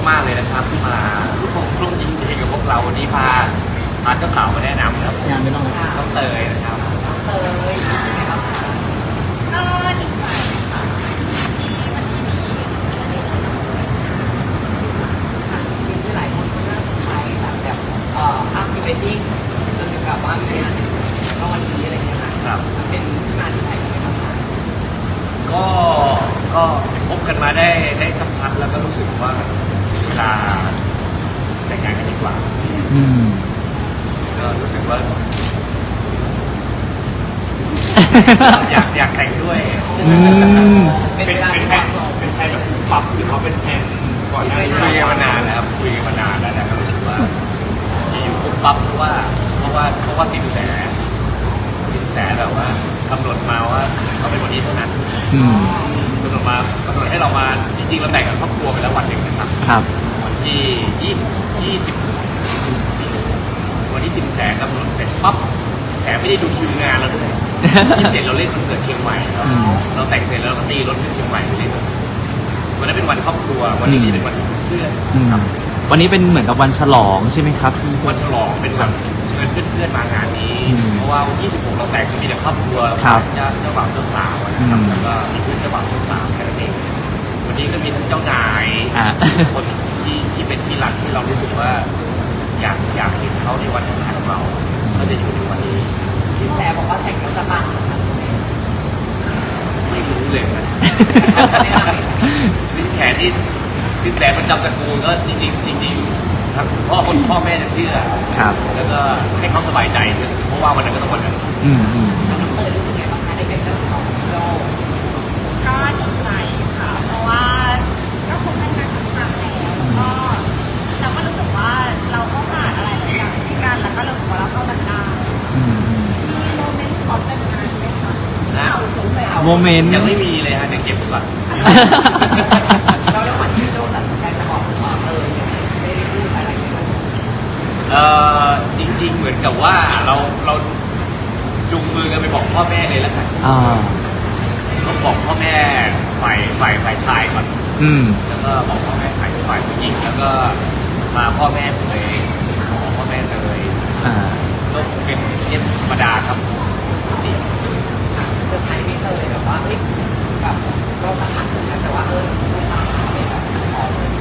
มากๆเลยนะครับที่มาร่วมยินดีกับพวกเราวันนี้พาเจ้าสาวมาแนะนำครับงานไม่ต้องน้องเตยนะครับเตยเป็นไงบ้างคะก็ดีใจค่ะที่วันนี้มีที่หลายคนก็น่าสนใจแบบภาพพรีเวดดิ้งจนถึงกับว่ามีงานก็วันนี้อะไรอย่างเงี้ยค่ะครับมันเป็นที่มาที่ไปยังไงบ้างคะก็พบกันมาได้สักพักแล้วก็รู้สึกว่าเวลาแต่งงานกันดีกว่าอืมก็รู้สึกว่า อยากแต่งด้วยอืมเป็นเป็นเวลาเป็นที่แผเหมาะนสมเป็นแผนแบบปรับหรือเขาเป็นแผนก่อนหน้านี้คุยกันมานานนะครับคุยกันมานานแล้วนะก็รู้สึกว่าอยู่ปุ๊บปั๊บเพราะว่าสินแสแบบว่ากำหนดมาว่าเขาเป็นวันนี้เท่านั้นอืมกำหนดให้เรามาจริงๆเราแต่งกับครอบครัวไปแล้ววันหนึ่งนะครับครับวันที่วันที่สินแสกำหนดเสร็จปั๊บสินแสไม่ได้ดูคิวงานเราด้วย27เราเล่นคอนเสิร์ตเชียงใหม่ครับอืมเราแต่งเสร็จแล้วเราก็ตีรถขึ้นเชียงใหม่ไปเล่นวันนั้นเป็นวันครอบครัววันนี้เป็นวันเพื่อนอืมครับวันนี้เป็นเหมือนกับวันฉลองใช่ไหมครับพี่วันฉลองเป็นวันเชิญเพื่อนๆมางานนี้อืมเพราะว่า26เราแต่งมีแต่ครอบครัวครับเจ้าบ่าวเจ้าสาวนะครับอืมแล้วก็มีเพื่อนเจ้าบ่าวเจ้าสาวแค่นั้นเองวันนี้ก็มีทั้งเจ้านายอ่ะคนที่เป็นที่รักที่เรารู้สึกว่าอยากเห็นเขาในวันสำคัญของเราก็จะอยู่ในวันนี้สินแสบอกว่าแต่งแล้วจะปังนะคะไม่รู้เลยนะไม่ได้สินแสประจำตระกูลก็จริงๆครับพ่อแม่จะเชื่อครับแล้วก็ให้เขาสบายใจด้วยเพราะว่าวันนั้นก็ต้องวันนั้นอืมอืมน้องเตยรู้สึกไงบ้างคะได้เป็นเจ้าสาวของโจก็ดีใจค่ะ เพราะว่าก็คบกันมาสักพักแล้วก็เราก็รู้สึกว่าเราก็ผ่านอะไรหลายอย่างด้วยกันแล้วก็รู้สึกว่าเราเข้ากันได้อืมอืมมีโมเมนต์ขอแต่งงานไหมคะนะโมเมนต์ยังไม่มีเลยฮะเดี๋ยวเก็บก่อนเราระหว่างที่โจตัดสินใจจะบอกว่ายังไม่ได้พูดอะไรเลยจริง ๆ เหมือนกับว่าเราจุงมือกันไปบอกพ่อแม่เลยแล้วกันอ่าต้องบอกพ่อแม่ฝ่ายชายก่อนอืมแล้วก็บอกพ่อแม่ฝ่ายผู้หญิงแล้วก็มาพ่อแม่เลยบอกพ่อแม่เลยอ่าก็เป็นเรื่องธรรมดาครับปกติเซอร์ไพรส์ไม่เตยแบบว่าเฮ้ยแบบเราสัมผัสถึงแล้วแต่ว่าลูกมาเป็นแบบขอเลย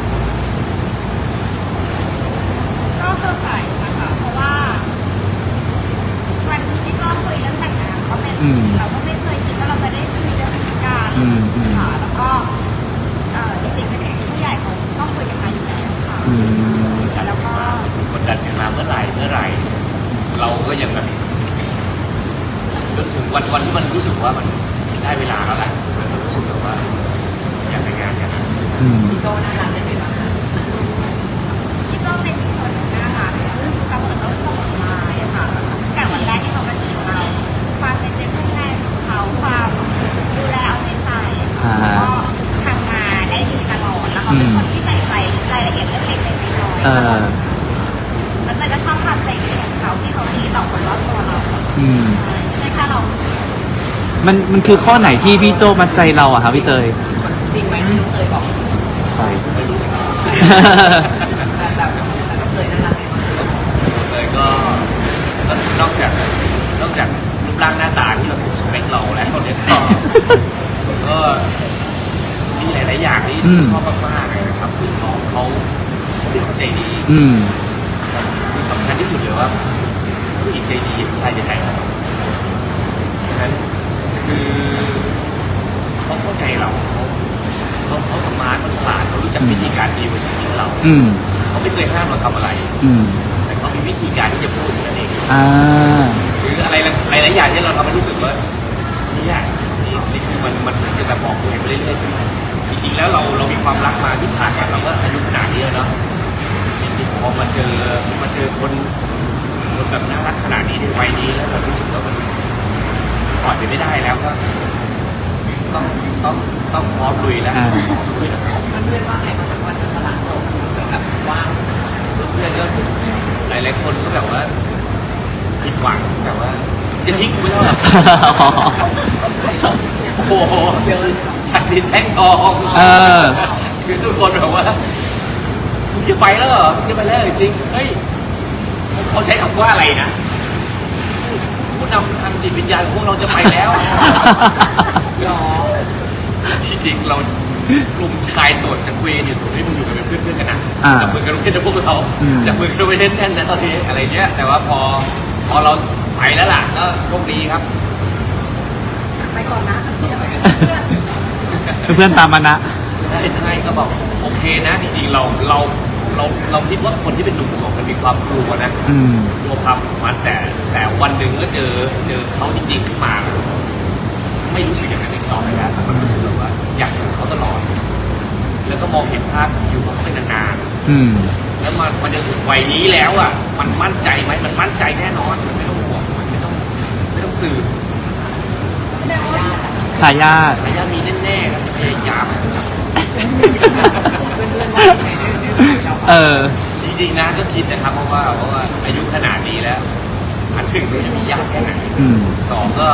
ก็เซอร์ไพรส์นะคะ เพราะว่าวันที่พี่ก้องคุยเรื่องแต่งงานก็เป็นอืมเราก็ไม่เคยคิดว่าเราจะได้คุยเรื่องแต่งงานอืมอืมค่ะแล้วก็จริงๆเป็นสิ่งที่ผู้ใหญ่เขาต้องคุยกันมาอยู่แล้วค่ะอืมแล้วก็กดดันกันมาเมื่อไหร่เราก็ยังแบบจนถึงวันที่มันรู้สึกว่ามันได้เวลาแล้วแหละมันรู้สึกแบบว่าอยากแต่งงานกันอืมพี่โจน่ารักได้ไหมบ้างคะพี่ก็เป็นคนน่ารักเสมอต้นเสมอปลายอะค่ะแต่วันแรกที่เขามาจีบเรา ความเป็นเพื่อนแรกของเขาความดูแลเอาใจใส่อ่าก็ทำมาได้ดีตลอดแล้วเขาเป็นคนที่ใส่ใจรายละเอียดเล็กๆน้อยๆเออแล้วแต่ก็ชอบความใจดีของเขาที่เขาดีต่อคนรอบตัวเราอืมไม่ใช่แค่เรามันคือข้อไหนที่พี่โจมัดใจเราอะครับพี่เตยจริงไหมที่น้องเตยบอกใช่ไม่รู้เหมือนกันแบบน้องเตยน่ารักไหมบ้างเลยก็นอกจากรูปร่างหน้าตาที่เราถูกสเปคเราแล้วเนี่ยก็มีหลายๆอย่างที่ชอบมากๆเลยนะครับคือน้องเขาเป็นคนใจดีอืมคือสำคัญที่สุดเลยว่าผู้หญิงใจดีผู้ชายจะใจร้อนฉะนั้นคือเขาเข้าใจเราเขาสมาร์ทเขาฉลาดเขารู้จักวิธีการดีลกับชีวิตเราอืมเขาไม่เคยห้ามเราทำอะไรอืมแต่เขามีวิธีการที่จะพูดนั่นเองอ่าหรืออะไรหลายๆอย่างที่เราทำให้รู้สึกว่านี่คือมันจะแบบบอกตัวเองไปเรื่อยๆสิจริงๆแล้วเรามีความรักมาที่ผ่านกันเราก็อายุขนาดนี้แล้วเนาะจริงๆพอมาเจอคนแบบน่ารักขนาดนี้ในวัยนี้แล้วเรารู้สึกว่ามันปล่อยไปไม่ได้แล้วก็ต้องพร้อมลุยแล้วอ่าพร้อมลุยแล้วเพื่อนๆว่าไงบ้างคะว่าจะสละโสดแบบว่างเพื่อนๆก็หลายๆคนก็แบบว่าผิดหวังแบบว่าจะทิ้งกูไม่ได้หรอ โอ้โหเยอะศักดิ์สิทธิ์แท่งทองเออคือทุกคนแบบว่ามึงจะไปแล้วเหรอมึงจะไปแล้วจริงเฮ้ยเขาใช้คำว่าอะไรนะผู้นำทางจิตวิญญาณของพวกเราจะไปแล้วหรอที่จริงเรากลุ่มชายโสดจะคุยกันอยู่สมมติมึงอยู่กันเป็นเพื่อนๆกันนะอ่าจับมือกันเล่นนะพวกเราอืมจับมือกันไปเล่นแน่นนะตอนนี้อะไรเงี้ยแต่ว่าพอเราไปแล้วล่ะก็โชคดีครับไปก่อนนะเดี๋ยวไปกับเพื่อนเพื่อนตามมานะใช่ก็บอกโอเคนะจริงๆเราคิดว่าคนที่เป็นหนุ่มโสดมันมีความกลัวนะอืมกลัวความผูกพันแต่วันหนึ่งก็เจอเขาจริงๆขึ้นมาไม่รู้สึกอย่างนั้นอีกต่อไปแล้วมันรู้สึกแบบว่าอยากอยู่เขาตลอด แล้วก็มองเห็นภาพอยู่กับเขาไปนานอืมๆแล้วมันจะถึงวัยนี้แล้วอ่ะมันมั่นใจไหมมันมั่นใจแน่นอนมันไม่ต้องห่วงมันไม่ต้องสืบแสดงว่าทายาทระยะมีแน่ๆครับจะพยายามเพื่อนๆว่ายังไงได้เราเออจริงๆนะก็คิดนะครับเพราะว่าอายุขนาดนี้แล้วอันหนึ่งเราจะมียากแค่ไหนอืมสองก็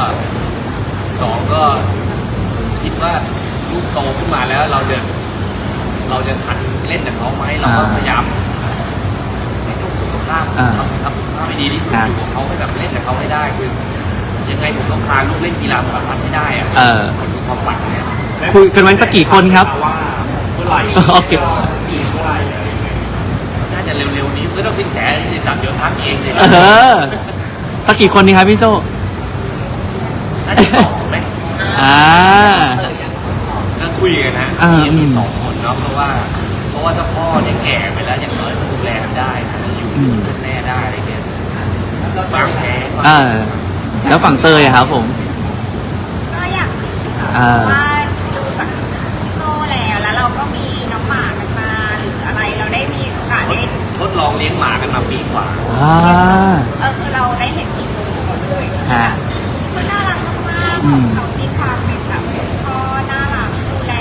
คิดว่าลูกโตขึ้นมาแล้วเราจะทันเล่นกับเขาไหมเราก็พยายามให้ต้องสุขภาพอ่าทำสุขภาพให้ดีที่สุดครับอยู่กับเขาให้แบบเล่นกับเขาให้ได้คือยังไงผมต้องพาลูกเล่นกีฬาสารพัดให้ได้อะเออมันคือความฝันเนี่ยคุยกันไว้สักกี่คนครับว่าเมื่อไหร่โอเคอีกเมื่อไหร่อะไรอย่างเงี้ยน่าจะเร็วๆนี้ไม่ต้องสินแสติดตามเดี๋ยวทักเองเลยเออสักกี่คนดีครับพี่โจน่าจะสองไหมอ่านั่งคุยกันนะอ่ามีสองคนเนาะเพราะว่าถ้าพ่อเนี่ยแก่ไปแล้วอย่างน้อยก็ดูแลกันได้นะอยู่อืมเป็นแม่ได้อะไรเงี้ยบางแผลอ่า แล้วฝั่งเตยอะครับผมก็อยากมีค่ะอ่าเพราะว่าดูจากพี่โตแล้วเราก็มีน้องหมากันมาหรืออะไรเราได้มีโอกาสได้ทดลองเลี้ยงหมากันมาปีกว่าอ่าคือเราได้เห็นอีกมุมหมดเลยฮะมันน่ารักมากๆอืมเขามีความเป็นแบบพ่อน่ารักดูแล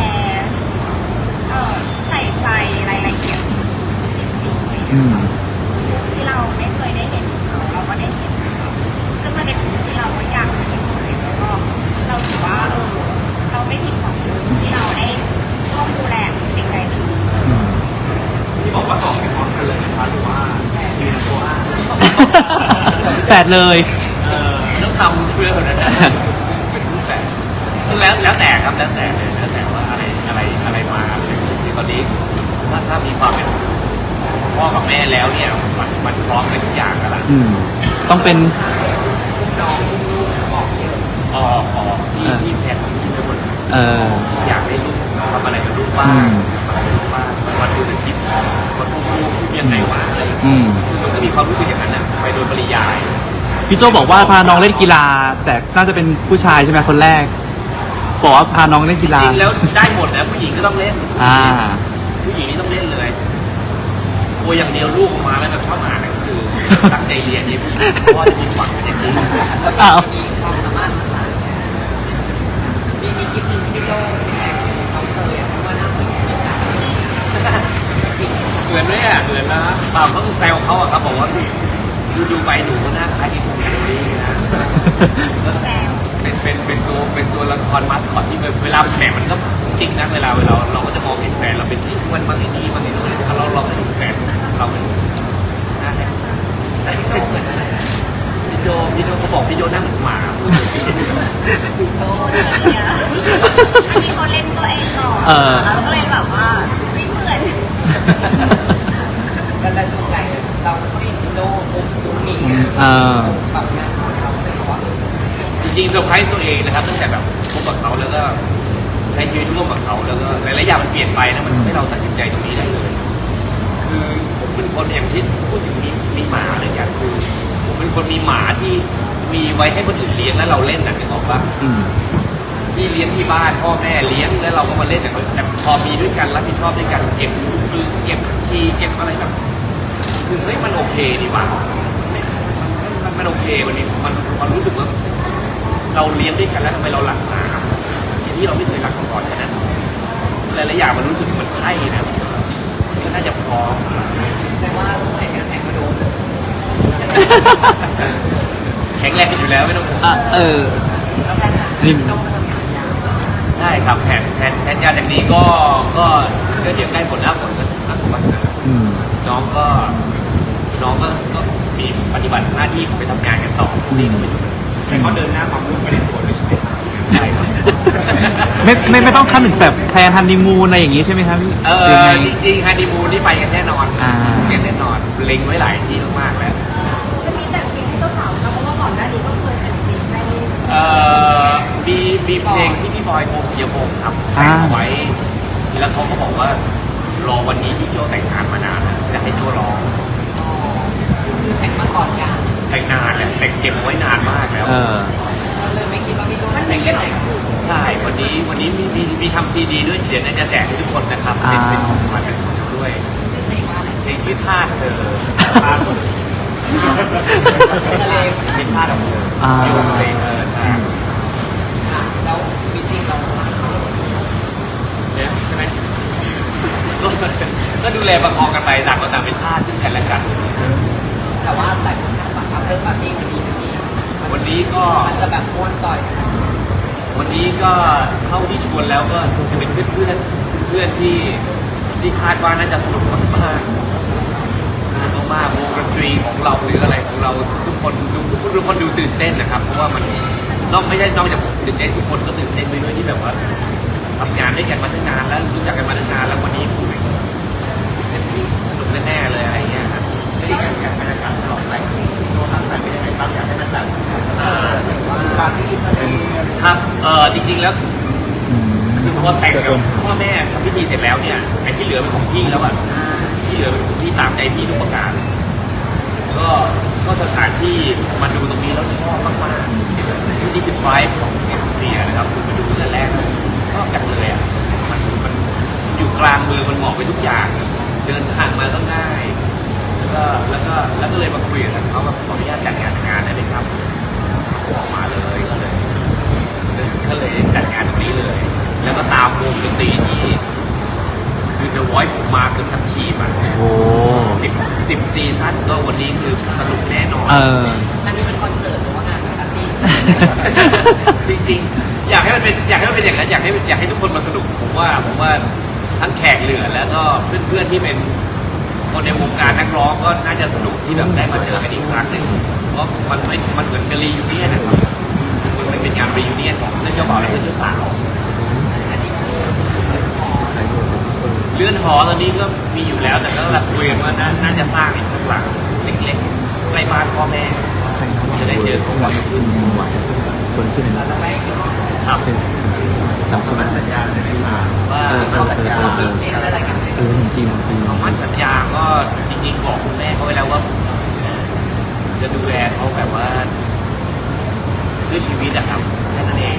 ใส่ใจรายละเอียดจริงๆเลยอืมที่เราไม่เคยได้เห็นเขาเราก็ได้เห็นเขาซึ่งมันเป็นสิ่งที่เราก็อยากเห็นเลยแล้วก็เราถือว่าเราไม่ผิดหวังที่เราได้ร่วมดูแลสิ่งใดสิ่งหนึ่งอืมที่บอกว่าสองเป็นพร้อมกันเลยนะครับหรือว่าทีละตัวแฝดเลยต้องทำเพื่อคนนั้นนะเป็นรูปแบบซึ่งแล้วแต่ครับแล้วแต่ว่าอะไรมาตอนนี้ถ้ามีความเป็นพ่อกับแม่แล้วเนี่ยมันพร้อมเป็นทุกอย่างกันละอืม ต้องเป็นน้องบอกเยอะที่แพนของที่เป็นคนเอออยากให้ลูกทำอะไรกับลูกบ้างอืมทำอะไรกับลูกบ้างวันดูแต่คิดคนลูกยังไงวะอะไรอย่างเงี้ยอืมคือมันก็มีความรู้สึกอย่างนั้นนะไปโดยปริยายพี่โจบอกว่าพาน้องเล่นกีฬา แต่น่าจะเป็นผู้ชายใช่ไหมคนแรก บอกว่าพาน้องเล่นกีฬาจริงๆแล้วได้หมดนะผู้หญิงก็ต้องเล่นอ่าผู้หญิงนี่ต้องเล่นเลยกลัวอย่างเดียวลูกออกมาแล้วแบบชอบอ่านหนังสือตั้งใจเรียนนี่ผู้หญิงพ่อจะมีฝังเป็นอย่างนี้อ้าวมีความสามารถต่างๆมีคลิปหนึ่งที่พี่โจ้แท็กน้องเตยเพราะว่าหน้าเหมือนพี่จ๋าจริงเหมือนไหมอ่ะเหมือนนะเปล่าเขาแซวเขาอะครับบอกว่าดูไปหนูก็หน้าคล้ายดิสนีย์นะแซวเป็นตัวละครมาสคอตที่เวลาแฝงมันก็จริงนะเวลาเราก็จะมองเห็นแฝงเราเป็นที่อ้วนบางทีนี่บางทีโน่นเราก็เห็นแฝงเราเป็นหน้าแฝงแต่พี่โจ้เหมือนอะไรนะพี่โจเขาบอกพี่โจหน้าเหมือนหมาพี่โจ้เนี่ยที่เขาเล่นตัวเองก่อนเราก็เลยแบบว่าไม่เหมือนแต่ส่วนใหญ่เราก็เห็นพี่โจ้ปุ๊บมีงานเออแบบงานของเราก็เลยบอกว่าจริงๆเซอร์ไพรส์ตัวเองนะครับตั้งแต่แบบพบกับเขาแล้วก็ใช้ชีวิตร่วมกับเขาแล้วก็หลายๆอย่างมันเปลี่ยนไปแล้วมันทำให้เราตัดสินใจตรงนี้ได้เลย คือผมเป็นคนอย่างที่พูดถึงมีหมาเลยอย่างคือผมเป็นคนมีหมาที่มีไว้ให้คนอื่นเลี้ยงแล้วเราเล่นนะนึกออกปะอืมที่เลี้ยงที่บ้านพ่อแม่เลี้ยงแล้วเราก็มาเล่นแต่พอมีด้วยกันรับผิดชอบด้วยกันเก็บมือเก็บชีเก็บอะไรแบบคือเฮ้ยมันโอเคดีว่ะมันโอเควันนี้มันรู้สึกว่าเราเลี้ยงด้วยกันแล้วทำไมเราหลักหมาอย่างที่เราไม่เคยรักมาก่อนแค่นั้นหลายๆอย่างมันรู้สึกมันใช่นะก็น่าจะพร้อมแต่ว่าต้องใส่งานแต่งมาโดนเลยแข็งแรงอยู่แล้วไม่ต้องห่วงอ่ะ เออแล้วแพทย์อะพี่โจ้มาทำงานยาวใช่ครับแผนงานอย่างนี้ก็เดี๋ยวใกล้ผลหน้าฝนก็นักคอนเสิร์ตอืมน้องก็มีปฏิบัติหน้าที่ไปทำงานกันต่อพรุ่งนี้ก็ไม่อยู่แต่ก็เดินหน้าความรุ่งไปในตัวด้วยใช่ไหมใช่ครับไม่ต้องขั้นถึงแบบแพลนฮันนีมูนอะไรอย่างงี้ใช่ไหมครับพี่ยังไงจริงๆฮันนีมูนนี่ไปกันแน่นอนอ่ากันแน่นอนเล็งไว้หลายที่มากๆแล้วจะมีแต่งเพลงให้เจ้าสาวนะเพราะว่าก่อนหน้านี้ก็เคยแต่งเพลงให้มีเพลงที่พี่บอยโกศิยพงศ์ครับแต่งเอาไว้ แล้วเขาก็บอกว่ารอวันนี้ที่โจแต่งงานมานานแล้วจะให้โจร้องคือแต่งมาก่อนกันแต่งนานเนี่ยแต่งเก็บเอาไว้นานมากแล้วเออเราเลยไม่คิดว่าพี่โจ้จะแต่งได้ไหนใช่วันนี้มีทำซีดีด้วยเดี๋ยวน่าจะแจกให้ทุกคนนะครับเป็นของขวัญเป็นของเราด้วยชื่อเพลงว่าอะไรเพลงชื่อท่าเธอท่าคนเป็นท่าของเธออ่ายูสเลเออร์แล้วชีวิตจริงเราเนี่ยใช่ไหมก็ดูแลประคองกันไปต่างคนต่างเป็นท่าซึ่งกันและกันแต่ว่าแต่คนทำบัตรชาเตอร์ปาร์ตี้วันนี้วันนี้ก็มันจะแบบม้วนจอยวันนี้ก็เท่าที่ชวนแล้วก็จะเป็นเพื่อนที่คาดว่าน่าจะสนุกมากๆวงดนตรีของเราหรืออะไรของเราทุกคนดูตื่นเต้นนะครับเพราะว่ามันนอกจากผมตื่นเต้นทุกคนก็ตื่นเต้นไปด้วยที่แบบว่าทำงานด้วยกันมาตั้งนานแล้วรู้จักกันมาตั้งนานแล้ววันนี้คุยสนุกแน่ๆเลยอะไรเงี้ยครับไม่ได้การบรรยากาศตลอดไปตัวทางการเป็นยังไงบ้างอยากให้มันแบบปาร์ตี้ครับจริงๆแล้ว คือพอแต่งกับพ่อแม่ทำพิธีเสร็จแล้วเนี่ยไอ้ที่เหลือเป็นของพี่แล้วอ่ะที่เหลือเป็นของพี่ตามใจพี่ทุกประการก็สถานที่มาดูตรงนี้แล้วชอบมากๆที่นี่คือ tribe ของเอ็กซ์เพียนะครับคือมาดูตั้งแต่แรกชอบจังเลยอ่ะมันอยู่กลางเมืองมันเหมาะไปทุกอย่างเดินทางมาก็ง่ายแล้วก็เลยมาคุยกับเขาแบบขออนุญาตจัดงานได้ไหมครับออกมาเลยก็เลยจัดงานตรงนี้เลย แล้วก็ตามวงดนตรีที่คือ The Voice ผมมาเกือบทั้งทีมอ่ะโอ้ 10ซีซั่นก็วันนี้คือสนุกแน่นอนเอออันนี้เป็นคอนเสิร์ตหรือว่างานปาร์ตี้จริงๆอยากให้มันเป็นอย่างนั้นอยากให้ทุกคนมาสนุกผมว่าทั้งแขกเหลือแล้วก็เพื่อนๆที่เป็นคนในวงการนักร้องก็น่าจะสนุกที่แบบได้มาเจอกันอีกครั้งหนึ่งเพราะมันเหมือนกับรียูเนียนนะครับมันไม่เป็นงานรียูเนียนของเพื่อนเจ้าบ่าวและเพื่อนเจ้าสาวอันนี้คือเลื่อนหอตอนนี้ก็มีอยู่แล้วแต่ก็กำลังคุยกันว่าน่าจะสร้างอีกสักหลังเล็กๆใกล้บ้านพ่อแม่จะได้เจอเขาบ่อยขึ้นคนชื่ออะไรเรานะไม่คิดว่าครับจำชื่อมันสัญญาณได้ไหมมาว่าเราสัญญามีเพลงอะไรกันไหมจริงคำมั่นสัญญาก็จริงๆบอกคุณแม่เขาไว้แล้วว่าจะดูแลเขาแบบว่าด้วยชีวิตอะครับแค่นั้นเอง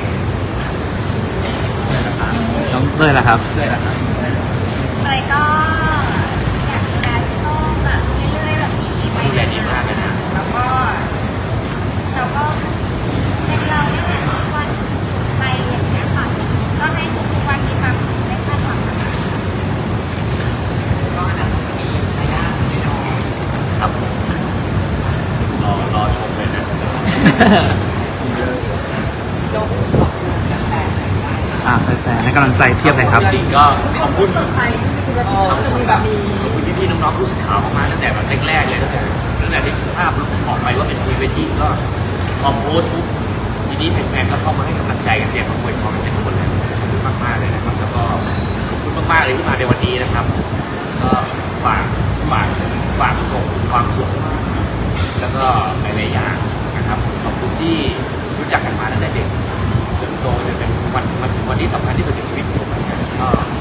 น้องเต้ยล่ะครับด้วยนะครับเลยก็อยากดูแลพี่โต้งแบบเรื่อยๆแบบนี้ไปดูแลดีมากเลยนะแล้วก็เป็นเราเนี่ยแหละทุกวันไปอย่างเงี้ยค่ะก็ให้ทุกวันมีความสุขไม่คาดหวังอะไรก็อันนั้นก็มีทายาทแน่นอนครับรอชมเลยนะโจ๊กขอบคุณแฟนๆหน่อยได้แต่ให้กำลังใจเทียบเลยครับจริงๆก็ขอบคุณเซอร์ไพรส์ที่มีธุรกิจเขาจะมีแบบมีขอบคุณพี่ๆน้องๆผู้สื่อข่าวมากๆตั้งแต่แบบแรกๆเลยตั้งแต่ที่ภาพออกไปว่าเป็นพรีเวดดิ้งก็พอโพสต์ปุ๊บทีนี้แฟนๆก็เข้ามาให้กำลังใจกันเพียงขอบคุณเขาเป็นคนเลยขอบคุณมากๆเลยนะครับแล้วก็ขอบคุณมากๆเลยที่มาในวันนี้นะครับก็ฝากส่งความสุขแล้วก็หลายๆอย่างนะครับขอบคุณที่รู้จักกันมาตั้งแต่เด็กจนโตจนเป็นวันที่สำคัญที่สุดในชีวิตผมเหมือนกันก็